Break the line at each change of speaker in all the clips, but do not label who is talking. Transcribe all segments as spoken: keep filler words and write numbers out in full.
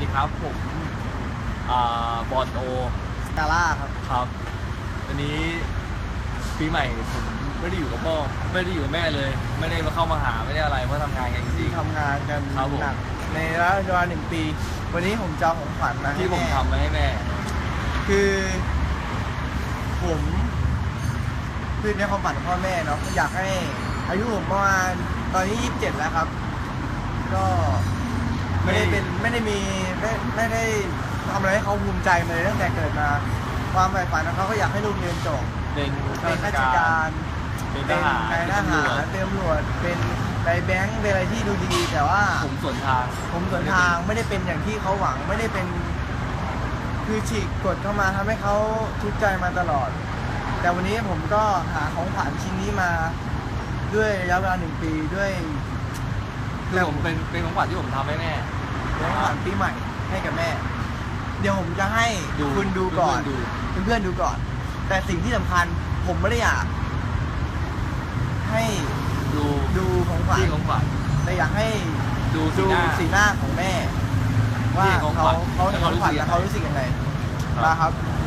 ดีครับผมอ่าบอลโอ
สกาล่าครับ
ครับวันนี้ปีใหม่ผมไม่ได้อยู่กับพ่อไม่ได้อยู่กับแม่เลย ไม่ได้มาเข้ามาหาไม่ได้อะไรเพราะทำงานกันจริง
ๆทำงานกัน
ห
นักในระยะเวลาหนึ่งปีวันนี้ผมจะของขวัญมา
ที่ผมทำมาให้แม่
คือผมคือในความฝันของพ่อแม่เนาะอยากให้อายุผมประมาณตอนนี้ยี่สิบเจ็ดแล้วครับก็ไม่ได้เป็นไม่ได้มีไม่ไม่ได้ทำอะไรให้เขาภูมิใจมาเลยตั้งแต่เกิดมาความใฝ่ฝันของเขาก็อยากให้ลูกเรียนจบ
เป็น
ข้าราชการ
เป็นทหาร
นายทหารเป็นตำรวจเป็นนายแบงค์เป็นอะไรที่ดูดีแต่ว่า
ผมสวนทาง
ผมสวนทางไม่ได้เป็นอย่างที่เขาหวังไม่ได้เป็นคือฉีกกฎเข้ามาทำให้เขาทุกข์ใจมาตลอดแต่วันนี้ผมก็หาของขวัญชิ้นนี้มาด้วยระยะเวลาหนึ่งปีด้วย
คือผมเป็นเป็นของขวัญที่ผมทำให้แม่
เป็นของขวัญปีใหม่ให้กับแม่เดี๋ยวผมจะให้คุณดูก่อนเพื่อนๆดูก่อนแต่สิ่งที่สำคัญผมไม่ได้อยากให้
ดู
ดูของขวัญ
ของขวัญ
แต่อยากให้
ดู
สีหน้าของแม่ว่าเขาเขาเห็นของขวัญแล้วเขารู้สึกยังไงนะครับ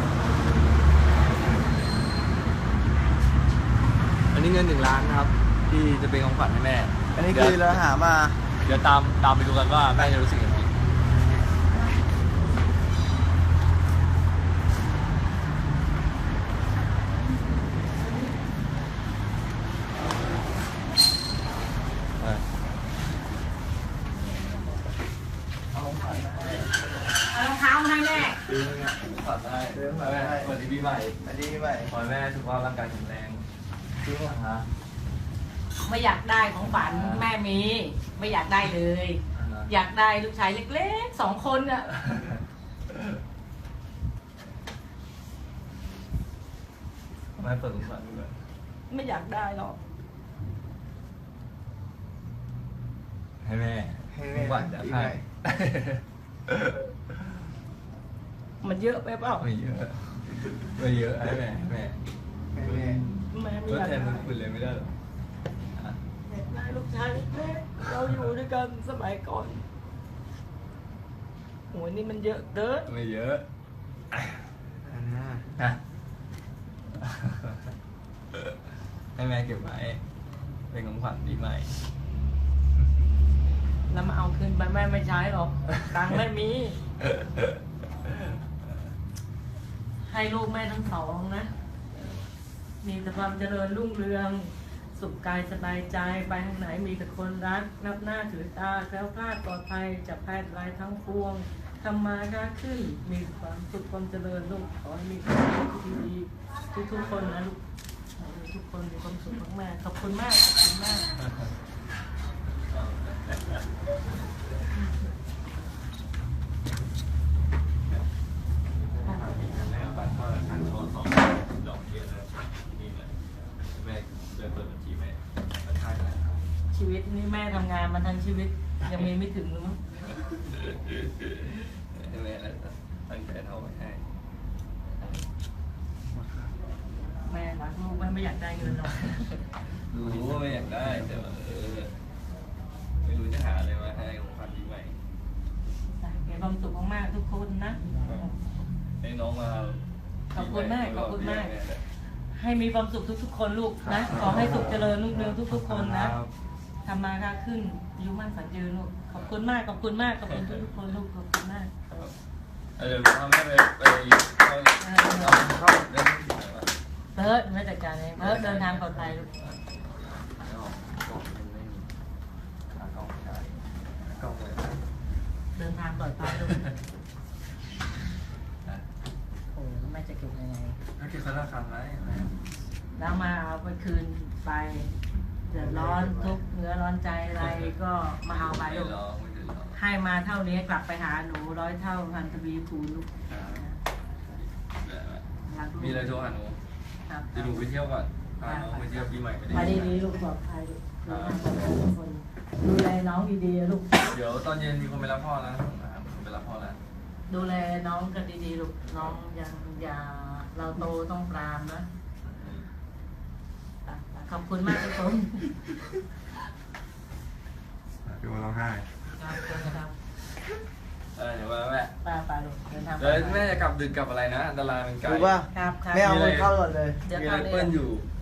อันนี้เงินหนึ่งล้านนะครับที่จะเป็นของขวัญให้แม่
อันนี้คือเราหามา
เดี๋ยวตามตามไปดูกันว่าแม่จะรู้สึกยังไง
รองเท้าให้แม่
ซื้อเงี้ยขอดได้ซื้อมาได้สวัสดีปีใหม่
สวัสดีปีใหม่
ขอให้แม่สุขภาพร่างกายแข็งแรงซื้อมาฮะ
ไม่อยากได้ของฝันแม่มีไม่อยากได้เลย อยากได้ลูกชายเล็กๆสองคนอะ
แม่เปิดของฝันด้วย
ไม่อยากได้หรอก
ให้แม่
ให้แม่
ฝันจะให้
มันเยอะไปเปล่า
ไม่เยอะไม่เยอะให้แม่แม่
แม่
แม่ไม่
ก็
อยาก
แทนคุณเลยไม่ได้หรอ
อยากได้ลูกชายเล็กเราอยู่ด้วยกันสมัยก่อนโหนี่มันเยอะเด้อ
ไม่เยอะนะให้แม่เก็บไว้เป็นของขวัญปีใหม่
แล้วมาเอาคืนไปแม่ไม่ใช้หรอกตังค์ไม่มีให้ลูกแม่ทั้งสองนะมีแต่ความเจริญรุ่งเรืองสุขกายสบายใจไปทางไหนมีแต่คนรักนับหน้าถือตาแคล้วคลาดปลอดภัยจากภัยร้ายทั้งปวงทำมาค้าขึ้นมีความสุขความเจริญลูกขอให้มีความสุขที่ดีทุกทุกคนนะลูกทุกคนมีความสุขมากๆขอบคุณมากขอบคุณมากชีวิตนี่แม่ทำงานมาทั้งชีวิตยังมีไม่ถึงหรือมั้ง
แม่ตั้งใจเท่าไปให้
แม่รักลูกแม่ไม่อยากได้เงินหรอก
รู้ว่าไม่อยากได้แต่ว่าเออไม่รู้จะหาอะไรมาให้ของขวัญปีใหม่
มีความสุขมากๆทุกคนนะ
ให้น้องมา
ขอบคุณมากขอบคุณมากให้มีความสุขทุกๆคนลูกนะขอให้สุขเจริญรุ่งเรืองทุกๆคนนะทำมาค้าขึ้นอายุมั่นขวัญยืนลูกขอบคุณมากขอบคุณมากขอบคุณทุกๆคนลูกขอบคุณมาก
เดี๋ยวทำให้ไปไปเข้าเข้าเดิน
เพิร์ดไม่จัดการเลยเพิร์ดเดินทางปลอดภัยลูกเดินทางปลอดภัยลูกโอ้ไม่จะเก็บยังไง
ถ้าเก็บสารคำไร
แล้วมาเอาไปคืนไปเดือดร้อนทุกเนื้อร้อนใจอะไรก็มาเอาไปลูกให้มาเท่านี้กลับไปหาหนูร้อยเท่าพันทวีคูณลูก
มีอะไรโทรหาหนูจะหนูไปเที่ยวก่อนพาน้องไปเที่ยวปีใหม่
ไปดีๆลูกปลอดภัยลูกทุกคนดูแลน้องดีๆลูก
เดี๋ยวตอนเย็นมีคนไปรับพ่อแล้วผมไปรับพ่อแล้ว
ดูแลน้องกันดีๆลูกน้องยังอย่าเราโตต้องปรามนะขอบคุณมากทุกคน
ดูร้องไห้
ครับ
เออเดี๋ยวมาแม่
ไปไปลูกเดินทางไป
แล้วแม่จะกลับดึกกลับอะไรนะอันตรายมันไกล
รู้ป่ะ
ครับครับ
ไม่เอาเงินเข้าก่อนเลย
เดี๋ยว
มี
เข้า
ไร
เลย
เปิ้ลอยู่